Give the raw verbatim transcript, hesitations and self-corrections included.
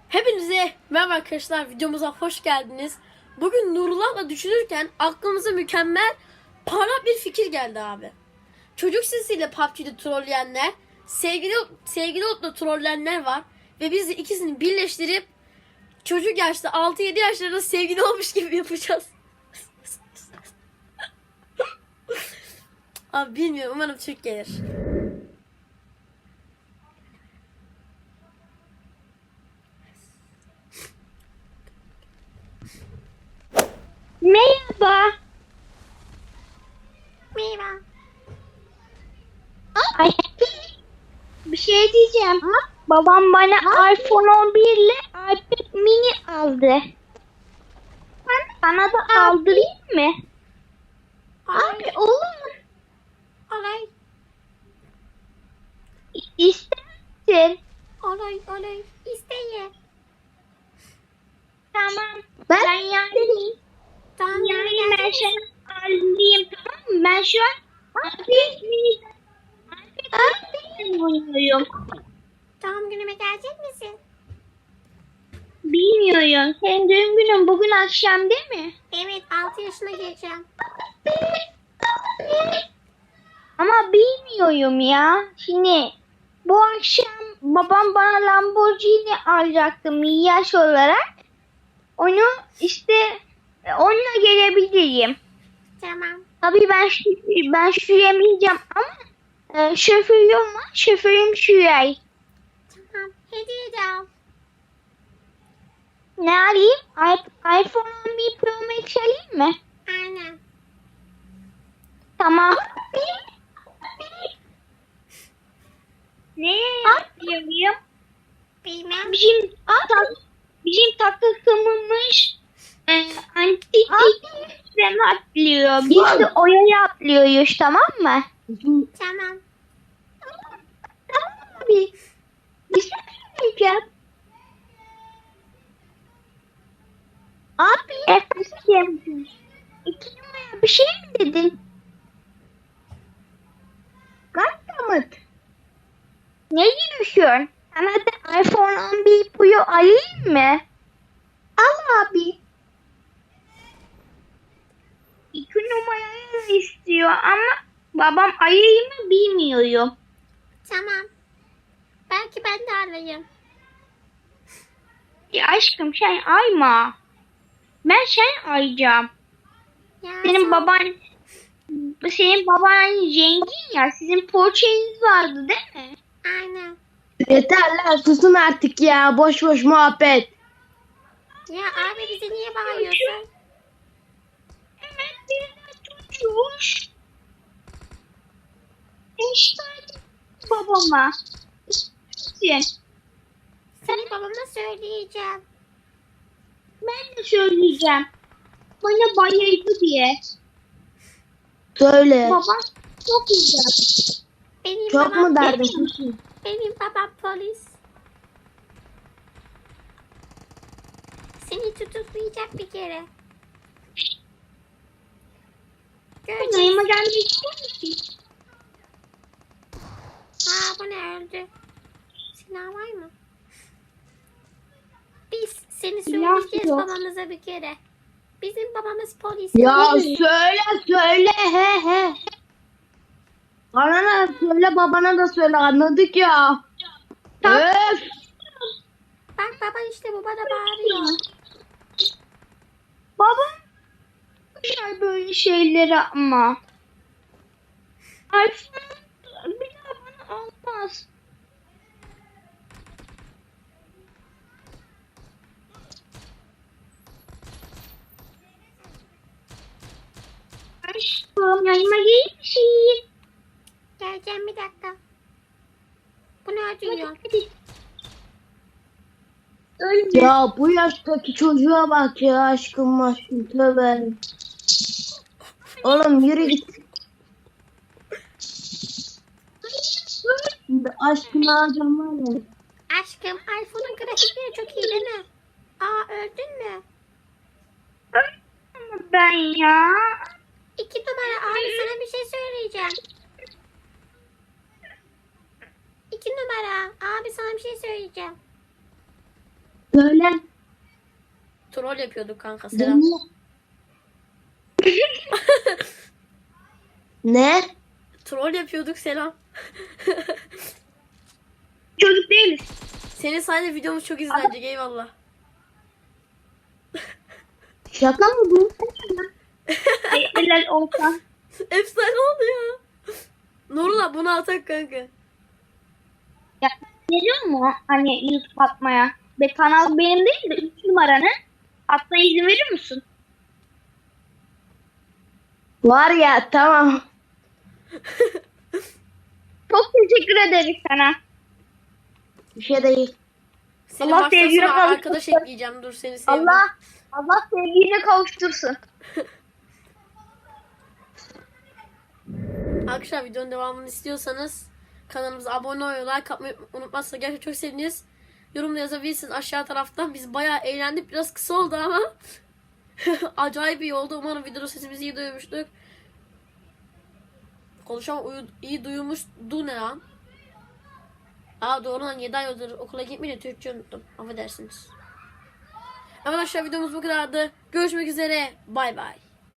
Hepinize merhaba arkadaşlar, videomuza hoş geldiniz. Bugün Nurullah'la düşünürken aklımıza mükemmel para bir fikir geldi abi. Çocuk sesiyle P U B G'de trolleyenler, sevgili sevgili Ot'la trolleyenler var ve biz de ikisini birleştirip çocuk yaşta altı yedi yaşlarında sevgili olmuş gibi yapacağız. Abi bilmiyorum, umarım Türk gelir. Merhaba. Merhaba. Ay, bir şey diyeceğim. Babam bana iPhone on bir ile iPad mini aldı. Bana da aldırayım mı? Abi olur. Olay, İster misin? olay, olay. İsteye. Tamam. Ben, ben yani, Tamam, yani ben sana alayım, tamam mı? Ben şu an iPad mini iPad mini oynuyorum. Doğum günüme gelecek misin? Bilmiyorum. Senin doğum günün bugün akşam değil mi? Evet, altı yaşına gireceğim. Ama bilmiyorum ya. Şimdi bu akşam babam bana Lamborghini alacaktı milyar olarak. Onu işte e, onunla gelebilirim. Tamam. Tabii ben şu- ben süremeyeceğim ama e, şoförüm var. Şoförüm sürer. Tamam. Hediye de al. Ne alayım? I- iPhone on bir Pro Max alayım mı? Aynen. Tamam. Ne yapıyorum? Bilmem. Bizim tak, bizim takımımız e, antik sistem atlıyor. Biz de oyaya atlıyoruz, tamam mı? Tamam. Tamam abi. Bir şey söyleyeceğim. Abi. Efendim. İki numara bir şey mi dedin? Gattamat. Ne diyorsun? Sana da iPhone on bir Pro alayım mı? Al abi. İki numarayı istiyor ama babam ayıyı mı bilmiyorum. Tamam. Belki ben de alayım. Ya aşkım sen ayma. Ben sen ayacağım. Ya Senin sen- baban senin baban zengin ya. Sizin poğaçanız vardı değil mi? Aynen. Yeter lan, susun artık ya, boş boş muhabbet. Ya abi bize niye bağırıyorsun? Evet, birine çocuğuş. İşte babama. Sen. Seni babama söyleyeceğim. Ben de söyleyeceğim. Bana bayıldı diye. Söyle. Babam çok güzel. Benim Çok babam mu derdin? benim, Susun. benim babam polis. Seni tutuklayacak bir kere. Neyime Göreceğiz. gelmek ister misin? Aa, bu ne, öldü. Silah var mı? Biz seni Silah söyleyeceğiz yok. babamıza bir kere. Bizim babamız polis. Ya söyle söyle, he he. Bana da söyle, babana da söyle, anladık ya. Tamam. Öf. Bak baba, işte bu bana bağırıyor. Babam şey böyle şeyleri ama. iPhone bir daha bana almaz. Aşkım yanıma gelir misin? Geleceğim, bir dakika. Bu ne ödüyor? Hadi. Ölme. Ya bu yaştaki çocuğa bak ya, aşkım aşkım, tövbe. Oğlum yürü git. Şimdi aşkını alacağım var ya. Aşkım, iPhone'un grafikleri çok iyi değil mi? Aa, öldün mü? Ölme ben ya. İki numara abi, sana bir şey söyleyeceğim. İki numara abi, sana bir şey söyleyeceğim. Söyle. Troll yapıyorduk kanka selam. Ne? Troll yapıyorduk selam. Çocuk değiliz. Senin sayende videomuz çok izlenecek eyvallah. Şaka mı bu? Ay, helal olsa. Efsane oldu ya. Nurullah bunu atak kanka. Ya, geliyor mu hani YouTube atmaya? Ve kanal benim değil de üç numaranın. Atmaya izin verir misin? Var ya tamam. Çok teşekkür ederiz sana. Bir şey değil. Seni Allah baştan sevgine sona kavuştursun. arkadaş ekleyeceğim dur seni sevdim. Allah Allah sevgiline kavuştursun. Arkadaşlar videonun devamını istiyorsanız kanalımıza abone olmayı, like atmayı unutmazsanız gerçekten çok seviniriz. Yorumda yazabilirsiniz aşağı taraftan. Biz bayağı eğlendik. Biraz kısa oldu ama acayip iyi oldu. Umarım videoda sesimizi iyi duymuştuk. Konuşan uyu, iyi duyulmuştu ne lan? Aa doğru lan yedi ay oldu. Okula gitmeyi de Türkçe unuttum. Affedersiniz. Arkadaşlar videomuz bu kadardı. Görüşmek üzere. Bay bay.